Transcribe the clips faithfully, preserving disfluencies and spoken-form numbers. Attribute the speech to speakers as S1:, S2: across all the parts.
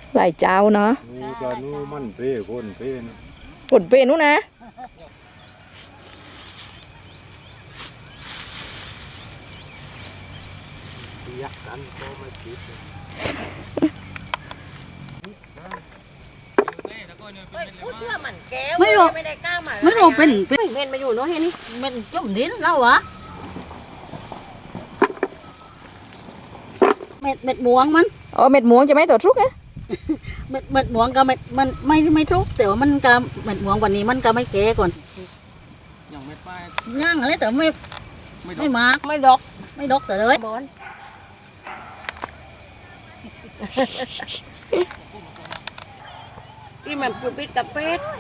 S1: หลายเจ้าเนาะ
S2: นู่นก็นู่นมันเป้คนเป้นะ
S1: กดเปนู้นนะ
S2: ยักกันก็ไม่ติด
S3: ไม่รู้ไม่รู้เป็นเป็นเม็ดมาอยู่เนาะเห็นนี่เม็ดจุ่มดินแล้วเหรอเม็ดเม็ดหมวงมัน
S1: อ๋อเม็ดหมูจะไม่ตัวทุกนะ
S3: เม็ดเม็ดหมวงก็เม็ดมันไม่ไม่ทุกแต่ว่ามันก็เม็ดหมวงวันนี้มันก็ไม่แก่ก่อนยังไม่ไปย่างอะไรแต่ไม่ไม่มาไม่ดอกไม่ดอกแต่เลยบอลที่มันปลูกปิดกับเป็ด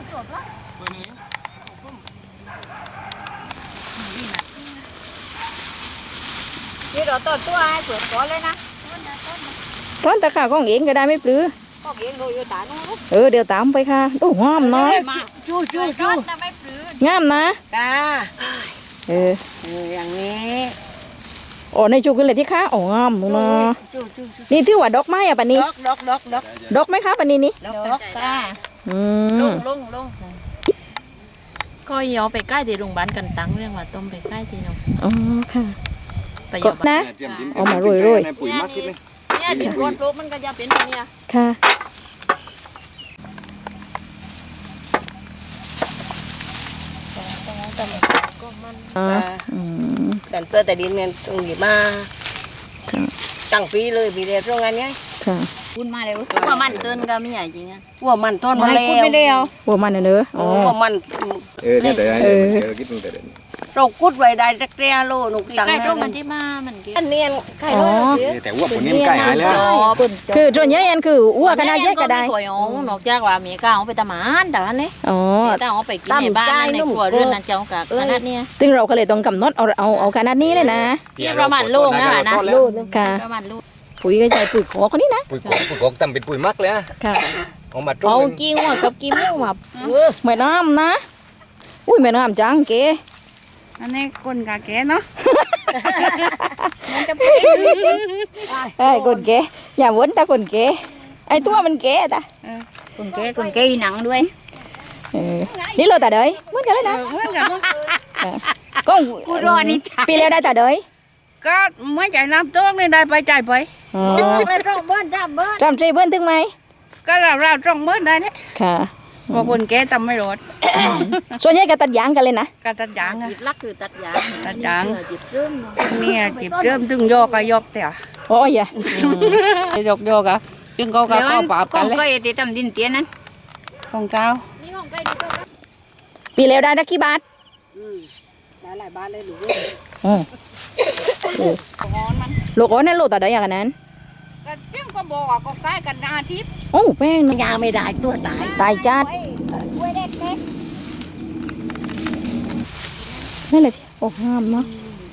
S3: นี่เราต้นตัวไอ้สวนก่อนเลยนะ
S1: ต้นตะขาของเองก็ได้ไม่ปลื้อ
S3: ก็เลี้ยงโดยอยู่ตาโน้น
S1: เออเดี๋ยวตามไปค่ะดูหอมเนาะ
S3: จู้จู้จู้
S1: งามนะ
S3: จ้า
S1: เออ
S3: เอออย่างนี้
S1: โอ้ในชูกันเลยที่ค้าอ๋องามเนาะ
S3: จู้จู้จู้
S1: นี่ถือว่าดอกไม้อะปะนี้
S3: ดอกดอกดอกดอก
S1: ดอกไหมคะปะนี้นี่
S3: ดอกจ้า
S1: อื
S4: ลุ
S1: ม
S4: งลุงลุงก็ยอไปใกล้ที่โรงพยาบาลกันตังเรื่องว่าต้มไปใกล้ที่น้อง
S1: อ๋อค่ะ
S4: ไปย
S1: ก็
S4: อ
S1: นะ
S2: เจียมดิน
S1: เอามาโรยๆ
S2: ในปุ๋ยมากคิดเลย
S4: เนี่ยดินก้นปลูกมันก็จะเป็นแบบเนี้ย
S1: ค่ะอ๋ออืม
S3: แต่ตัวแต่ดินเนี่ยตรงนี้มาตั้งปีเลยปีเดียวตรงนั้นไง
S1: ค่ะ
S3: คุณมาเลย
S4: ว่ามันเตือนก็ไม่ใหญ่จริงอ่ะ
S3: ว่ามันต้นมาแล้วไม่ได้เอา
S1: หัวมันเนอะอ๋อ
S3: ว่ามัน
S2: เออเนี่ยแต่ไอ้
S1: เออ
S2: เดี๋ยวคิดดูแต่เด่น
S3: เรากุดไว้ได้สักเรียโลหนุกจัง
S4: ใกล้ตรงมันที่มามันกิน
S3: อันเนียนไข่
S1: อ๋
S3: ร้
S1: อ
S3: อย
S2: แต่ว่าผมนี่มันใกล้หายแล้ว
S1: คือส่วนใหญ่อันคืออ้วกขนาดใหญ่ก็ได้
S4: ตัวอ๋นอกจากว่ามีก้าวไปตะหมานแต่อันนี้
S1: อ๋อ
S4: แต่เอาไปกินในบ้านในครัวเรือนนั่นเจ้ากับขนาดเนี้ย
S1: ซึ่งเราก็เลยต้องกำหนดเอาเอาเอาขนาดนี้เลยนะ
S4: นี่ประมาณลูกนะนะ
S1: ค่ะ
S4: ประมาณลูก
S1: ปุ๋ยก็ใช้ปุ๋ยขอคนนี้นะ
S2: ปุ๋ยกอกปุ๋ยกอกทำเป็นปุ๋ยมักเลยอะ
S1: ค่ะ
S2: เอามาตร
S1: เอา
S2: ง
S1: กิ้งว่ากับกิ้งว่าเหมือนน้ำนะ อุ้ยเหมือนน้ำจังเก๋
S3: อันนี้คนกาแกเนาะ
S1: ไอ้คนเก๋อย่าวนแต่คนเก๋ไอ้ตัวมันเก๋ตา
S3: คนแกคนแกหนังด้วย
S1: เออนี่เราแต่เดยเหมือนกันเลยนะ
S3: เหมือนกัน
S1: ก็
S3: กูรอนี่
S1: ปีแล้วได้แต่เดย
S3: ก็ไม่จ่ายน้ำต้นนี่ได้ไปจ่ายไป
S1: อ๋อ
S3: เลยร่องบ้านร่ำบ้าน
S1: รำทรีเบิ้ลถึงไหม
S3: ก็เราเราร่องบ้านได้เนี่ย
S1: ค่ะ
S3: พอคนแกทำไม่รอด
S1: ส่วนใหญ่ก็ตัดยางกันเลยนะ
S3: การตัดยางอะ
S4: จิบลักคือตัดยาง
S3: ตัดยาง
S4: จิบเริ่ม
S3: เนี่ยจีบเริ่มตึงโยกก็ยกแต่
S1: โอ้ยอ่ะ
S3: ยกโยกอะตึงเขาก็เข้าปราบกันเลย
S4: ก็จะทำดินเตี้ยนั้น
S3: ของเจ้า
S1: ปีแล้วได้สักกี่บาท
S3: ได้หลายบ้านเลยหรือ
S1: อืมลูกโอ้นั่นลูกแต่เดยอย่างนั้น
S3: ก็เจ้าก็บอกว่าก็ใกล้กันอาทิตย์
S1: โอ้แป้งนะ
S3: ยาไม่ได้ตัวตาย
S1: ตายจัดนั่นแหละโอ้ห้ามเนาะ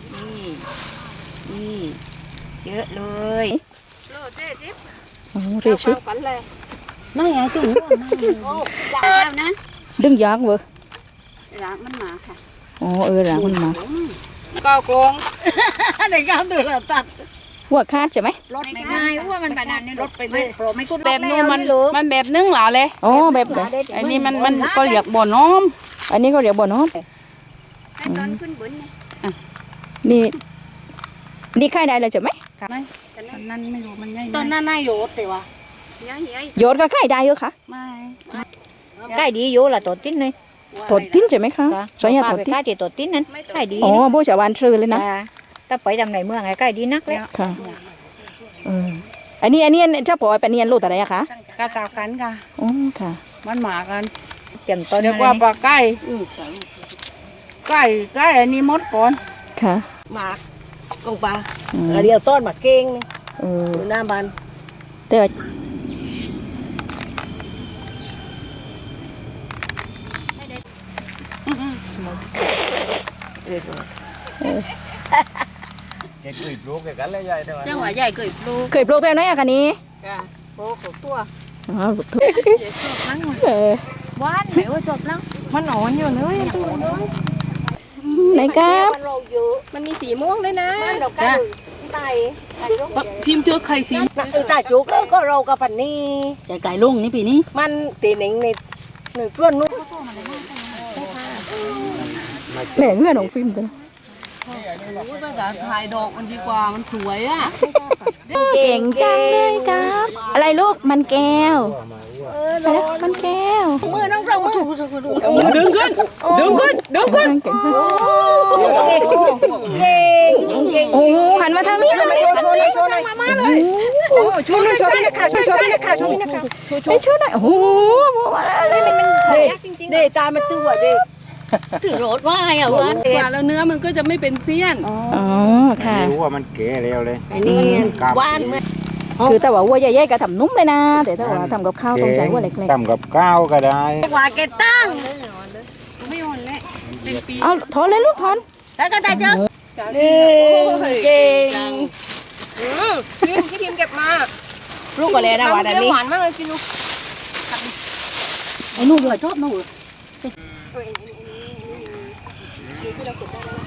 S3: นี่เยอะเลย
S1: โอ้เรียบชิ
S3: นั่นไงจุ๋มโอ้ยาวนะ
S1: ดึงยางเว้ย
S3: ร้านมันมาค่ะ
S1: อ๋อเออหลังมันมา
S3: ก็โกงในการเดือดตัด
S1: หัวคาดใช่ไหม
S3: รถไม่ง่ายว่ามันบานานนี่รถไปเลยไม่คุ้น
S5: แบบนู้นมันมันแบบนึ่งหล่าเลย
S1: อ๋อแบบไหน
S5: อันนี้มันมันก็เรียกบ่อน้อม
S1: อันนี้เขาเรียกบ่อน้ำ
S3: ตอนขึ้นบน
S1: นี่นี่ค่ายได้เลยใช่ไหม
S5: ตอนนั้นไม่รู้มันง่าย
S3: ตอนนั้นนายโยดแต่ว่า
S1: โยนก็ค่ายได้เยอะค่ะ
S5: ไม่
S4: ใกล้ดีอยู่ละตัวติ้นเลย
S1: ถดทิ้นใช่ไหมคะสอยยาถดทิ้น
S4: ใกล้ที่ตัวติ้นนั้นใกล้ดี
S1: อ๋อโบชาวานชื่อเลยนะ
S4: ถ้าไปทางไหนเมืองไงใกล้ดีนักเลย
S1: ค่ะเอออันนี้อันนี้เจ้าปอยเป็นเนียนลูกอะไรอะคะ
S5: กาตากันค่ะ
S1: อ๋อค่ะ
S5: มันหมากัน
S4: เตรียมต้น
S5: เรียกว่าปลาไก่ไก่ไก่อันนี้มดก่อน
S1: ค่ะ
S3: หมากกงปลา
S1: อืม
S3: เดียวต้นหมากเก่ง
S1: เออ
S3: อยู่หน้าบ้าน
S1: แต่ว่า
S2: เก็บปุ๋ยปลูกแกกันเลยใหญ่เท่าไหร่
S4: จังหวะใหญ่เกิดปลูก
S1: เคยปลูกแบบไหนอะคะนี้
S3: โอ้โหตัว
S1: อ๋อปลูกทุกเออ
S4: หวานไหนว่าจบแล้ว
S3: มันหนอนอยู่เลย
S1: ไหนครับ
S3: มันเราเยอะมันมีสีม่วงด้วยนะมันเราใกล้
S5: ไต
S4: พิมพ์เจอใครสิ
S5: นักตาจุกก็เรากับปันนี่
S3: ใจไกลลุงนี่ปีนี้
S5: มันตีหนิงในหนึ่งต้นนู้น
S1: แหล่เงื่อนของฟิล์มกัน
S4: ภาษาไทยดอกมันดีกว่ามันสวยอ่ะ
S1: เก่งจังเลยครับ อะไรลูกมันแก้วอะไรนะมันแก้ว
S5: มือน้องเรามือ
S4: มือดึงขึ้นดึงขึ้นดึงขึ้น
S1: เก่งมาก
S5: เก่งเก่งเก่ง
S1: โอ้โหหันมาทางนี้เลย
S5: โชว์โชว์เลยโชว์เลยมาเลยโอ้โชว์โชว์พี่นักข่าวโชว์พี่นักข่าวโชว์พี่นักข่าว
S1: ไม่ช่วยหน่อยโอ้โหอะไรนี่มัน
S5: เด็เด็ตามันตัวเด็
S3: ถือรถว่าอ่ะวัน
S4: กว่าแล้วเนื้อมันก็จะไม่เป็นเสี้ยน
S1: อ๋อค่ะ
S2: รู้ว่ามันเก๋แล้วเลย
S5: อันนี้
S2: ครับ
S5: ว่านเมื่อ
S1: คือแต่ว่าวัวใหญ่ๆก็ทำนุ่มเลยนะ แต่ถ้าว่าทำกับข้าวต้องใช้วัวเล็ก
S2: ทำกับข้าวก็ได้
S5: กว่าเกตั้ง
S1: ๆเอาถอนเลยลูกถอน
S5: แล้วก็ได้เจอนี่เก่ง
S4: พี่พิมเก็บมา
S5: ลูกก็เลยนะวันนี้
S4: หวานมากเลยกินดู
S3: ไอ้หนูเบื่อชอบหนู